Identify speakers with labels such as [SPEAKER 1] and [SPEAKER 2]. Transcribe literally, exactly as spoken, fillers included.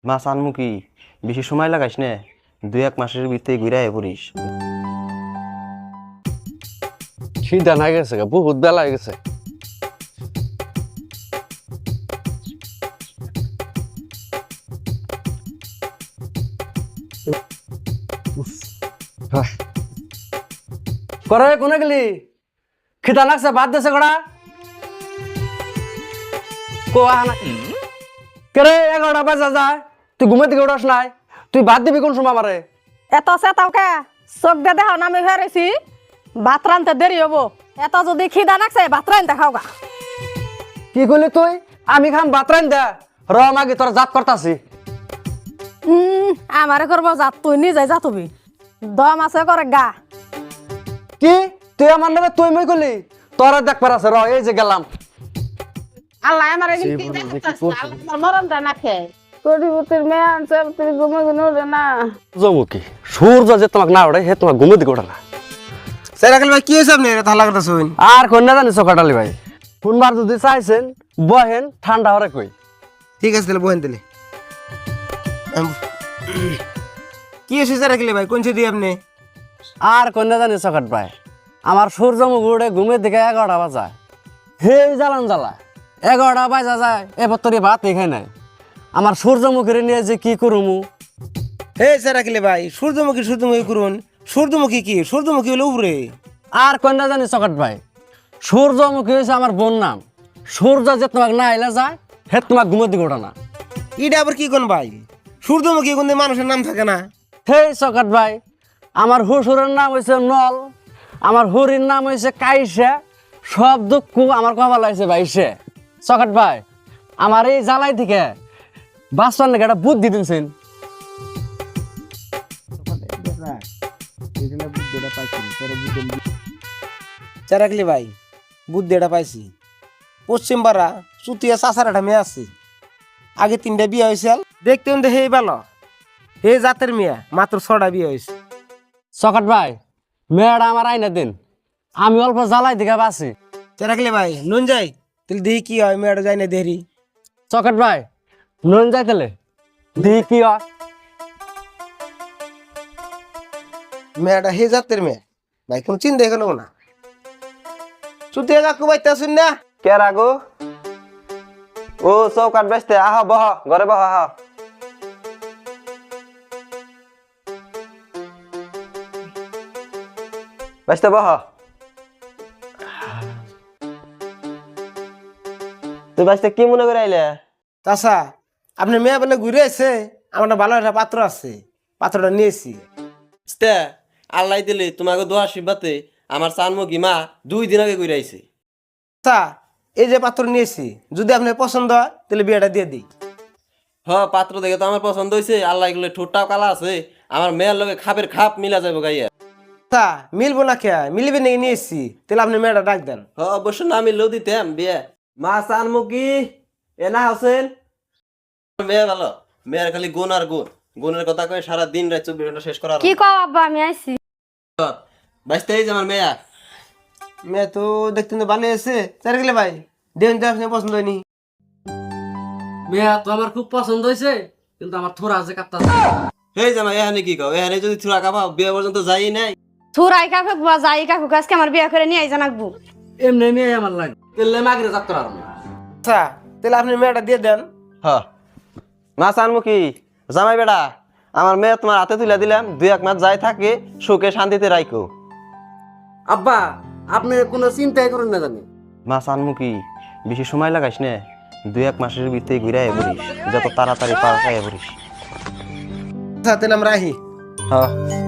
[SPEAKER 1] মাছ আনমু কি বেশি সময় লাগাইস না, দুই এক মাসের ভিতরে ঘুরে পড়িস।
[SPEAKER 2] খিদা না গেছে গা, বহুত বেলা হয়ে গেছে। করে কোনে গেলি? খিদা লাগছে, ভাত দেছে কড়া কোয়া না কেরে? এগারোটা বাজা যায়, তুই ঘুমে থেকে উঠাস নাই, তুই ভাত দিবি কোন সময় আমারে?
[SPEAKER 3] এত চেতাও কে? চোখ দিয়ে দেখাও না আমি হেরেছি, ভাত রানতে দেরি হবো। এত যদি খিদা নাকছে ভাত রানতে খাও গা।
[SPEAKER 2] কি করলি তুই? আমি খাম ভাত রান দে, র মাগি তোর জাত করতাছি।
[SPEAKER 3] হম আমারে করবো জাত, তুই নিজে জাতুবি। দম আছে করে গা।
[SPEAKER 2] কি তুই আমার নামে তুই মই করলি? তোরা দেখবার আছে, র এই যে গেলাম।
[SPEAKER 4] আল্লাহ আমার মরণটা না খেয়ে করিবতির মেয়ে আনছে, তুমি ঘুমে ঘুমে উঠে না।
[SPEAKER 2] জমুকি সূর্য যে তোমাকে না ওঠে, হে তোমাকে ঘুমে দিকে ওঠে না।
[SPEAKER 5] সেরাকেল ভাই কি হয়েছে আপনি থালা কথা শুন?
[SPEAKER 2] আর কন্যা জানি চকাটালি ভাই, শুনবার যদি চাইছেন বহেন, ঠান্ডা হরে কই।
[SPEAKER 5] ঠিক আছে তাহলে বহেন দিলে। কি হয়েছে সেরাকেল ভাই, কোন দিয়ে আপনি?
[SPEAKER 2] আর কন্যা জানি চকাট ভাই, আমার সূর্যমুখ উঠে ঘুমের দিকে এগারোটা বাজায়, হে জ্বালান জ্বালা এগারোটা বাজা যায়, এবার তোর ভাত খাই নাই। আমার সূর্যমুখীর নিয়ে যে কি করুমু?
[SPEAKER 5] হে সেরাকেল ভাই, সূর্যমুখী সূর্যমুখী করুন। সূর্যমুখী কি? সূর্যমুখী হলো উপরে।
[SPEAKER 2] আর কন্যা জানি চকাট ভাই, সূর্যমুখী হয়েছে আমার বোন নাম। সূর্য যে তোমাকে না এলে যায়, হে তোমাকে ঘুমের দিকে ওঠে না।
[SPEAKER 5] এটা আবার কি কোন ভাই? সূর্যমুখী কোন মানুষের নাম থাকে না?
[SPEAKER 2] হে চকাট ভাই, আমার হুসুরের নাম হয়েছে নল, আমার হুরির নাম হয়েছে কাইসে, সব দুঃখ আমার কপাল লাগছে ভাইসে। চকাট ভাই, আমার এই জ্বালাই থেকে বাঁচবার নাকি একটা বুদ্ধি দিনছেন।
[SPEAKER 5] সেরাকেল ভাই বুদ্ধি এটা পাইছি। পশ্চিম পাড়া চুতিয়া চাষার একটা মেয়ে আছে, আগে তিনটা বিয়ে হয়েছিল, দেখতে কিন্তু হে ভালো, হে জাতের মেয়ে, মাত্র ছটা বিয়ে হয়েছে।
[SPEAKER 2] চকাট ভাই, মেয়েটা আমার আইনা দিন, আমি অল্প জ্বালাই দিকে বাঁচি।
[SPEAKER 5] সেরাকেল ভাই নুন যাই তাহলে দেখি কি হয়, মেয়েটা যাই না দেরি।
[SPEAKER 2] চকাট ভাই নুন যাইতেলে দেখি কি হয়।
[SPEAKER 5] মেয়েটা হে জাতের মেয়ে ভাই, কোনো চিন্তা এখানে না। চুতিয়া কাকু বাইতে আসুন না।
[SPEAKER 1] কে রাগো? ও চৌকাট বেসতে, আহ বহ ঘরে বহ, আহ বেসতে বহ। তুই বেসতে কি মনে করে আইলে?
[SPEAKER 5] চাষা আপনি মেয়ে বলে ঘুরে এসে, আমার একটা ভালো একটা পাত্র আছে, পাত্রটা নিয়েছি।
[SPEAKER 6] আল্লাহ দিলে তোমাকে দোয়া আশীর্বাদে আমার চানমুখী মা দুই দিন আগে ঘুরে আইছে।
[SPEAKER 5] আচ্ছা এই যে পাত্র নিয়েছি, যদি আপনার পছন্দ হয় তাহলে বিয়েটা দিয়ে দিই।
[SPEAKER 6] হ পাত্র দেখে তো আমার পছন্দ হয়েছে, আল্লাহ এগুলো ঠোঁটটাও কালা আছে, আমার মেয়ের লগে খাপের খাপ মিলা যাবো গাইয়া।
[SPEAKER 5] আচ্ছা মিলবো না খেয়া, মিলবে নাকি নিয়েছি, তাহলে আপনি মেয়েটা ডাক দেন।
[SPEAKER 6] হ অবশ্য না মিললেও দিতাম বিয়ে। মা চানমুখী এ না হোসেন, মেয়ে ভালো, মেয়ের খালি গুণ আর গুণ, গুণের কথা কয়ে সারা দিন রাত চব্বিশ ঘন্টা শেষ করার।
[SPEAKER 3] কি কও আব্বা, আমি আইছি।
[SPEAKER 6] বাইসতে এই যে আমার মেয়া,
[SPEAKER 5] মেয়ে তো দেখতে তো ভালো আছে। চার গেলে ভাই দেখুন তো আপনি পছন্দ হয়নি।
[SPEAKER 2] মেয়া তো আমার খুব পছন্দ হয়েছে, কিন্তু আমার থোড়া আছে কাপ্তা।
[SPEAKER 6] এই যে আমার এখানে কি কও, এখানে যদি থুরা কাপাও বিয়ে পর্যন্ত যাই নাই।
[SPEAKER 3] থুরাই কাকুক বা যাই কাকুক আজকে আমার বিয়া করে নিয়ে জানাকবো।
[SPEAKER 2] এমনি মেয়ে আমার লাগে, তেলে মাগরে জাত করার।
[SPEAKER 5] আচ্ছা তাহলে আপনি মেয়েটা দিয়ে দেন।
[SPEAKER 1] হ মাছ আনমু কি জামাই বেড়া, আমার মেয়ে তোমার হাতে তুলে দিলাম, দুই এক মাস যাই থাকে সুখে শান্তিতে রাইকো।
[SPEAKER 2] আব্বা আপনি কোনো চিন্তাই করেন না জানি।
[SPEAKER 1] মাছ আনমু কি বেশি সময় লাগাইস না, দুই এক মাসের ভিতরে ঘুরে পড়িস, যত তাড়াতাড়ি পার পাই পড়িস।
[SPEAKER 5] আচ্ছা তাহলে আমরা আহি।
[SPEAKER 1] হ্যাঁ